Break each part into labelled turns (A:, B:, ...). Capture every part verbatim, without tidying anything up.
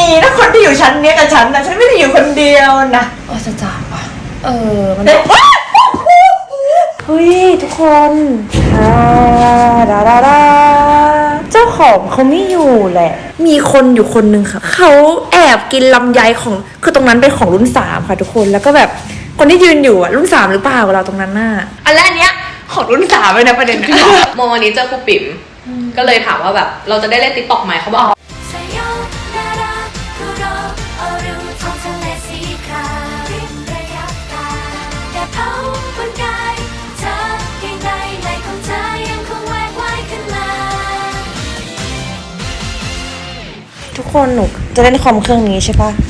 A: นะคนที่อยู่ชั้นเนี้ยกับฉันนะฉันไม่ได้อยู่คนเดียวนะโอ้จะจ่าป่ะเออมันเฮ้ยทุกคนดาดาดาเจ้าของเขาไม่อยู่แหละมีคนอยู่คนนึงค่ะเขาแอบกินลำไยของคือตรงนั้นเป็นของรุ่นสามค่ะทุกคนแล้วก็แบบคนที่ยืนอยู่อะรุ่นสามหรือเปล่าเราตรงนั้นน่ะอันแรกเนี้ยของรุ่นสามเลยนะประเด็นนะ
B: โมวันนี้เจอครูปิ๋มก็เลยถามว่าแบบเราจะได้เล่นติ๊กต็อกไหมเขาบอก
A: ทุกคนหนูจะเล่นคอมเครื่องนี้ใช่ปะ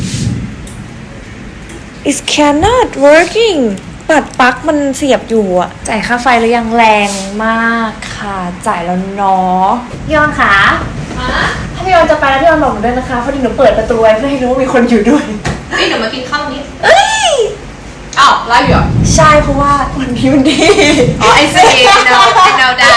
A: It cannot working ปัดปลั๊กมันเสียบอยู่อะจ่ายค่าไฟแล้วยังแรงมากค่ะจ่ายแล้วเนาะพี่ออนค่ะถ้าพี่ออนจะไปแล้วพี่ออนบอกหนูด้วยนะคะพอดีหนูเปิดประตูไว้เพื่อให้รู้ว่ามีคนอยู่ด้วย
B: นี่หนูมากินข้าวนี้เอ้ยอ้าวไลฟ์อยู่
A: ใช่เพราะว่าวันนี้มันดี
B: อ๋อไอซีเนาไอเนาดา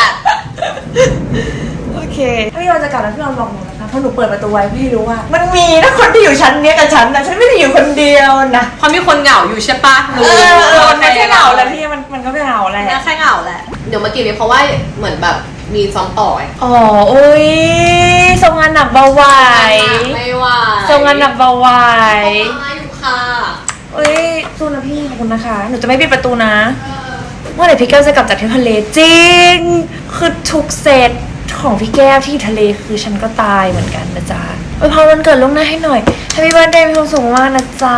A: โอเคถ้าพี่ออนจะกลับแล้วพี่ออนบอกหนูนะคะเพราะหนูเปิดประตูไว้เพื่อให้รู้ว่ามันมีนะคนที่อยู่ชั้นเนี้ยกับฉันนะฉันไม่ได้อยู่คนเดียวนะ
B: เพราะมีคนเหงาอยู่ใช่ปะ
A: เออมันไม่ใช่เหงาแล้วพี่มันมันก็ไม่เหงาแหละ
B: แค่เหงาแหละเดี๋ยวมากินนี้เพราะว่าเหมือนแบบมีซ้อมต่อ
A: อ๋อโอ้ยทรงงานหนักเบาไหว
B: ไม่ไหว
A: ทรงงานหนักเบาไหว
B: มาอยู่ค่ะ
A: เอ้ยสู้นะพี่ขอบคุณนะคะหนูจะไม่ปิดประตูนะเมื่อไหร่พี่แก้วจะกลับจากเที่ยวทะเลจริงคือทุกเซตของพี่แก้วที่ทะเลคือฉันก็ตายเหมือนกันนะจ๊ะอวยพรวันเกิดล่วงหน้าให้หน่อย Happy Birthday มีความสุขมากนะจ๊ะ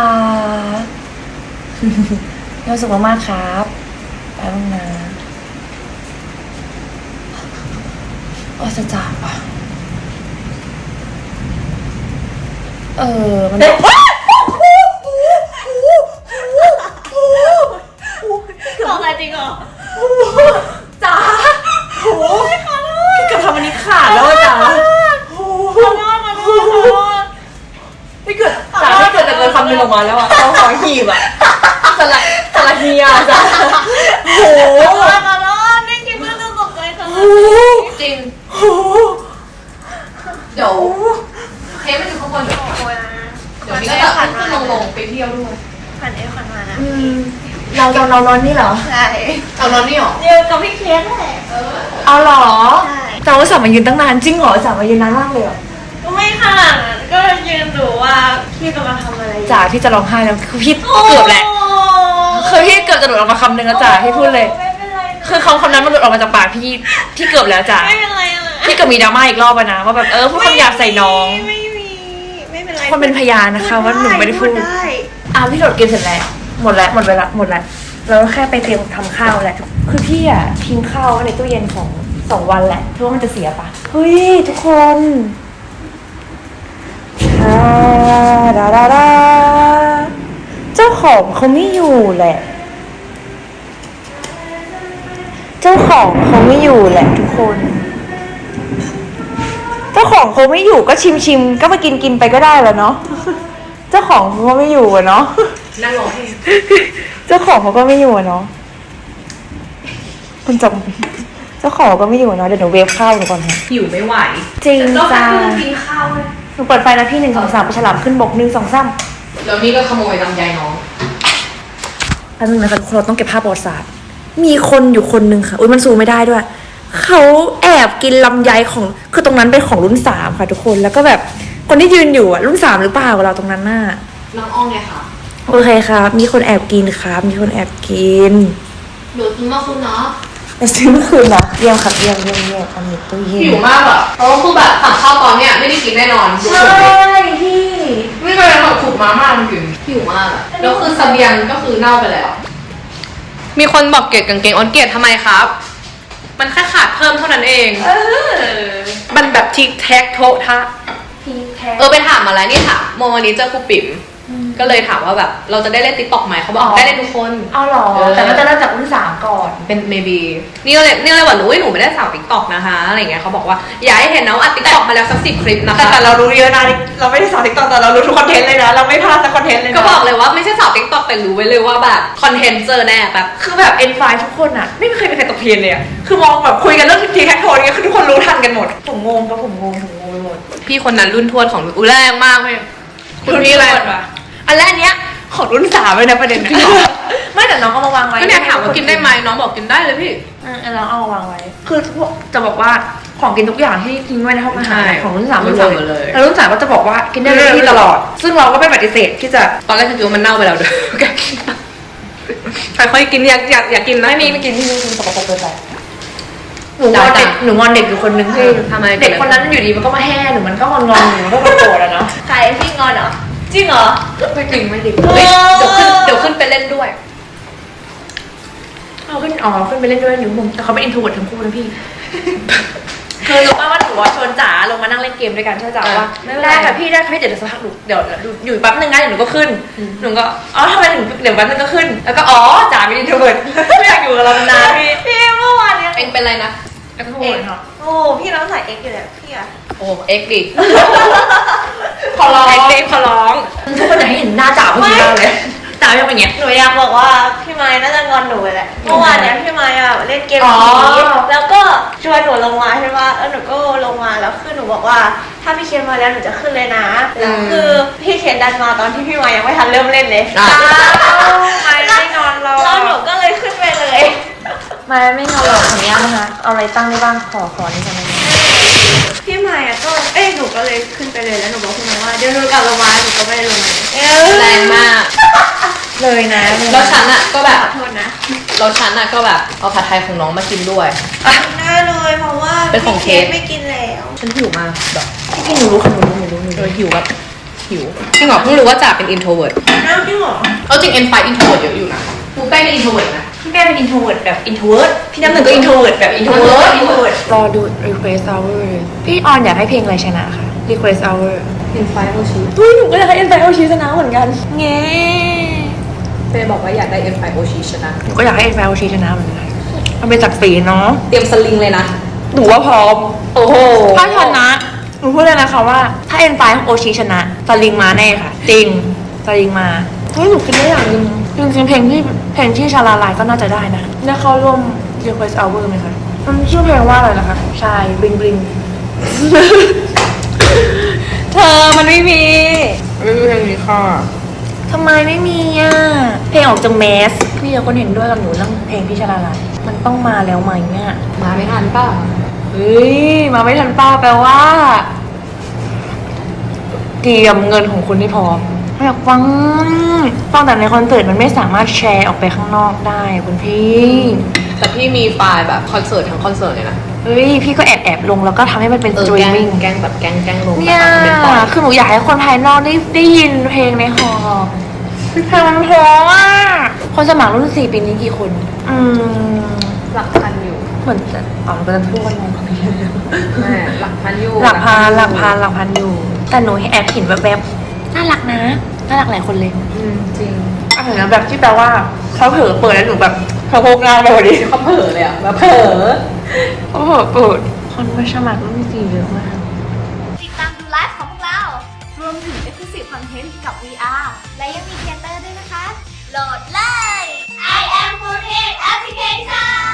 A: มีความสุขมากๆครับไปบ้างนะโอ้จะจ่าป่ะเออมัน
B: บอกอะไรจริงเหรอ
A: จ๋าโอ้พี่เกือบทำอันนี้ขาดแล้วจ๋าโอ้โหพี่เกือบจ๋าพี่เกือบแต่เกินคำนึงออกมาแล้วอ่ะเขาขอหีบอ่ะสลัดสลัดเฮียจ๋าโอ้โห
B: นี่กินเพื่อนจะตกใจค่ะจริงเดี๋ยวเทปมันอยู่ข้างบนเดี๋ยวเดี๋ยวนี้ก็จะขึ้นลงลงไปเที่ยวด้วย
C: ผ่านเอฟผ่านมานะ
A: เราเราเรานอนนี่เหรอ
C: ใช่
B: เอานอนนี่หรอ
C: เดียวกับพี่เคียนแหละ
A: เอาหรอ
C: ใช่
A: แต่ว่าสามมายืนตั้งนานจริงเหรอสามมายืนนานมากเลยเหรอ
C: ก็ไม่ขนาดนั้นก็ยืนดูว่าพี่กำลังทำอะไร
A: จ๋าพี่จะร้องไห้แล้วคือพี่เกือบแหละคือพี่เกือบจะหลุดออกมาคำนึงแล้วจ๋าพี่พูดเลยคือคำคำนั้นมันหลุดออกมาจากปากพี่พี่เกือบแล้วจ๋า
C: ไม่เป็นไร
A: พี่เกือบมีดราม่าอีกรอบนะว่าแบบเออพูดคำหยาบใส่น้อง
C: ไม่มีไม่เป็นไร
A: คนเป็นพยานนะคะว่าหนูไม่ได้พูดอ่ะพี่โดดกินเสร็จแล้วหมดแล้วหมดเวลาหมดแล้วเราแค่ไปเตรียมทำข้าวแหละคือพี่อ่ะทิ้งข้าวไว้ในตู้เย็นของสองวันแหละเพราะว่ามันจะเสียปะเฮ้ยทุกคนดาดาดาเจ้าของเขาไม่อยู่แหละเจ้าของเขาไม่อยู่แหละทุกคนเจ้าของเขาไม่อยู่ก็ชิมชิมก็มากินกินไปก็ได้แล้วเนาะเจ้าของเขาไม่อยู่อะเนาะ
B: นั่งรอให้
A: เจ้าของเขาก็ไม่อยู่อะเนาะคุณจงเจ้าของก็ไม่อยู่เนาะเดี๋ยวหนูเวฟข้าวหนูก่อนค่ะ
B: หิวไม่ไหว
A: จริงจ้า
B: กินข้าวเลย
A: หนูเปิดไฟนะพี่หนึ่งสองสามไปฉลามขึ้นบกหนึ่งสองสาม
B: แล้วนี่ก็ขโมยลำไยน้อง
A: อันนึงนะคะเราต้องเก็บภาพประวัติศาสตร์มีคนอยู่คนนึงค่ะอุ้ยมันซูมไม่ได้ด้วยเขาแอบกินลำไยของคือตรงนั้นเป็นของรุ่นสามค่ะทุกคนแล้วก็แบบคนที่ยืนอยู่อะรุ่นสามหรือเปล่าเราตรงนั้นน่ะ
B: น้องอ้องไงคะ
A: โอเคครับมีคนแอบกินครับมีคนแอบกิน
B: เดี๋ยวซื้อมาคืนเนาะ
A: ไปซื้อเมื่อคืนนะเยี่ยมครับเยี่ยมเยี่ยมเยี่ยมอันนี้ตู้เย็น
B: หิวมากอะเพราะว่าคือแบบสั่งข้าวตอนเนี้ยไม่ได้กินแน่นอน
A: ใช่พี่
B: ไม่เคยแบบขุดมาม่ามันกินหิวมากอะแล้วคือเสบียงก็คือเน่าไปแล้วมีคนบอกเกลียดกางเกงออนเกลียดทำไมครับมันแค่ขาดเพิ่มเท่านั้นเองเออมันแบบทิกแท็กโทะทะเออไปถามมาแล้วนี่ค่ะโมวันนี้เจอครูปิ๋มก็เลยถามว่าแบบเราจะได้เล่นติ๊กต็อกไหมเขาบอกได้เล่นทุกคน
A: เอาหรอแต่ก็จะเริ่มจากรุ่นสามก่อน
B: เป็น maybe นี่ก็เลยนี่เลยว่าหนูหนูไม่ได้สาวติ๊กต็อกนะคะอะไรเงี้ยเขาบอกว่าอยากให้เห็นนะว่าติ๊กต็อกมาแล้วสักสิบคลิปนะคะ
A: แต่เรารู้เยอะนะเราไม่ได้สาวติ๊กต็อกแต่เรารู้ทุกคอนเทนต์เลยนะเราไม่พลาดสักคอนเทนต์เลยนะ
B: ก็บอกเลยว่าไม่ใช่สาวติ๊กต็อกแต่รู้ไว้เลยว่าแบบคอนเทนต์เจอแน่แบบ
A: คือแบบเอ็นไฟทุกคนอ่ะไม่เคยมีใครตกเพียนเลยอ่ะคือมองแบบคุยกันเรื่องทีแท็กโทนเงี้ยคือทุกคนรู้ทันกันหมดผมงงก็ผมงงผมงงไปหมด
B: พี่คนนั้นรุ่นทวดของอุ้ยแรงมากเลยคุณพี่อะไร
A: อันแรกเนี้ยของรุ่นสามเลยนะประเด็นนะไม่แต่น้องเอามาวางไว้
B: ก็เนี่ยถามว่ากินได้ไหมน้องบอกกินได้เลยพี่
A: อืมน้องเอามาวางไว้ คือจะบอกว่าของกินทุกอย่างที่ทิ้งไว้ในห้องอาหารของรุ่นสามหมดเลยแล้วรุ่นสามก็จะบอกว่ากินได้เลยที่ตลอด ซึ่งเราก็ไม่ปฏิเสธที่จะ
B: ตอนแรกฉันคิดว่ามันเน่าไปแล้วด้วยค่อยๆกินอยากอยากอยากกินนะ
A: ไม่มีไม่กินที่นี่คือสกปรกเกินไปหนูงอนเด็กหนูงอนเด็กอยู่คนนึงที่
B: ทำไม
A: เด็กคนนั้นอยู่ดีมันก็มาแห่หนูมันก็งอนงอนหนูมันก็มาโกรธแล้วเนาะ
C: ใครพี่งอนเหรอจริงเหรอ
A: ไม่จริงไม่จริง
B: เฮ้ยเดี๋ยวขึ้นเดี๋ยวขึ้นไปเล่นด้วย
A: เอาขึ้นอ๋อขึ้นไปเล่นด้วยอยู่มุมแต่เขาเป็นอินโทรเวิร์ตทั้งคู่นะพี่ คือรู้ป่ะว่าหนูว่าชวนจ๋าลงมานั่งเล่นเกมด้วยกันใช่จ๋าว่าได้ค่ะพี่ได้ค่ะพี่เดี๋ยวสักพักหนูเดี๋ยวอยู่แป๊บนึงนะเดี๋ยวหนูก็ขึ้นหนูก็อ๋อทำไมถึงเดี๋ยวแป๊บนึงก็ขึ้นแล้วก็อ๋อจ๋าเป็นอินโทรเวิร์ตไม่อยากอยู่กับเรานานๆพี่
C: พี่เมื่อวานเนี้ย
B: เองเป็นอะไรนะ
A: อินโทรเวิร์ตค่ะ
C: โอ้พี่น้องใส่เอ็กซ์อยู่เลยพี่อะ
B: โอ้เอ็กดิ
A: ขอร้อง
B: เอ็กดิขอร้อง
A: ทุกคนอยากให้เห็นหน้าจ๋าเมื่อกี้มากเลยจ๋ายังเป็นอย่างเงี้ย
C: หนูอยากบอกว่าพี่ไม้น่าจะงอนหนูไปแหละเมื่อวานเนี้ยพี่ไม้อะเล่นเกม
A: อ๋อ
C: ผีแล้วก็ชวนหนูลงมาใช่ปะแล้วหนูก็ลงมาแล้วคือหนูบอกว่าถ้าพี่เคนมาแล้วหนูจะขึ้นเลยนะแล้วคือพี่เคนดันมาตอนที่พี่ไม้ยังไม่ทันเริ่มเล่นเลย
B: อ่ะ
A: ไม่ไม่นอนรอ
C: แล้วหนูก็เลยขึ้นไปเลย
A: ไม่ไม่นอนรอขออนุญาตนะคะเอาอะไรตั้งได้บ้างขอขอนี่กันเลย
C: พี่ไม้อะก็เอ้ยหนูก็เลยขึ้นไปเลยแล้วหนูบอกพี่ไม้ว่าเดี๋ยวหนูกลับลงมาหนูก็ไม่ได้ลงมา
B: แรงมาก
A: เลยนะ
B: แล้วฉันอะก็แบบ
C: ขอโทษนะ
B: แล้วฉันอะก็แบบเอาผัดไทยของน้องมากินด้วย
C: ได้เลยเพราะว่า
B: เป็นของเคส
C: ไม่กินแล้ว
B: ฉันหิวมากแบบ
A: พี่หนูรู้ค่ะหนูรู้หนูรู้หนู
B: เอ
A: รู้
B: อหิวแบบหิวจริงเหรอเพิ่งรู้ว่าจ่าเป็น introvert
C: น้ำจริงเหรอ
B: เอาจริง N ไฟ introvert เยอะอยู่นะกูใกล้เป็น introvert นะ
A: พี่แม่เป็นอินโทรเวิร์ตแบบอินโทรเวิร์ตพี่น้ำหนึ่งก็อินโทรเวิร์ตแบบอินโทรเวิร์ต
C: introvert
A: รอดู request hour พี่ออนอยากให้เพลงอะไรชนะค่ะ request hour
B: N ไฟโอชิ
A: อุ้ยหนูก็อยากให้ N ไฟ โอ ชิชนะเหมือนกันเงี้
B: เฟย์บอกว่าอยากได้ N ไฟโอชิชนะ
A: หนูก็อยากให้ N ไฟ โอ ชิชนะเหมือนกันมันเป็นศักดิ์ศรีเนาะ
B: เตรียมสลิงเลยนะ
A: หนูว่าพร้อม
B: โอ้โห
A: ถ้าชนะหนูพูดเลยนะคะว่าถ้า N ไฟ โอ ชิชนะสลิงมาแน่ค่ะ จริงสลิงมาเฮ้ยหนูคิดได้อย่างหนึงจริงๆเพลงที่เพลงที่ชาลาลายก็น่าจะได้นะได้เข้าร่วม request hour ไหมคะมันชื่อเพลงว่าอะไรนะคะชายบลิงบลิง เธอมันไม่มี
B: ไม่มีเพลงนี้ค่ะ
A: ทำไมไม่มีอ่ะเพลงออกจากแมสพี่เดี๋ยวคนเห็นด้วยกับหนูเรื่องเพลงพี่ชาลาลายมันต้องมาแล้วไหมเนี่ย
B: มาไม่ทันป่ะ
A: เฮ้ยมาไม่ทันป้าแปลว่าเตรียมเงินของคุณให้พร้อมอยากฟังฟังแต่ในคอนเสิร์ตมันไม่สามารถแชร์ออกไปข้างนอกได้คุณพี่
B: แต่พี่มีไฟล์แบบคอนเสิร์ตทั้งคอนเสิร์ตเลยนะ
A: เฮ้ยพี่ก็แอบแอบลงแล้วก็ทำให้มันเป็น
B: เอ
A: ส
B: อ
A: ตรี
B: แก
A: ม
B: ล้
A: มิ่ง
B: งแกล้งแบบแกล้งแกล้งลง
A: เนี่ย
B: แบบเป็นปล่อย
A: คือหนูอยากให้คนภายนอกได้ได้ยินเพลงในหอเพลงมันเพราะอ่ะคนสมัครรุ่นสี่ปีนี้กี่คน อืม
B: หลักพันอยู่
A: เหมือนจะอ๋อมันก็จะพูดกันงง
B: แม่หลักพันอยู่
A: หลักพันหลักพันหลักพันอยู่ แต่หนูแอบเห็นแวบๆน่ารักนะน่ารักหลายคนเลย
B: อืมจริง
A: อ่ะแบบที่แปลว่าเขาเผลอเปิดแล้วหนูแบบเขาโพกหน้าไปพอดี
B: เขาเผลอเลยอะแบบเผลอ
A: เขาเผลอเปิดคนมาสมัครรุ่นสี่เยอะมาก
D: ติดตามดูไลฟ์ของพวกเรา รวมถึง Exclusive Content กับ วี อาร์ และยังมีเทเตอร์ด้วยนะคะ โหลดเลย I am Foodhead Application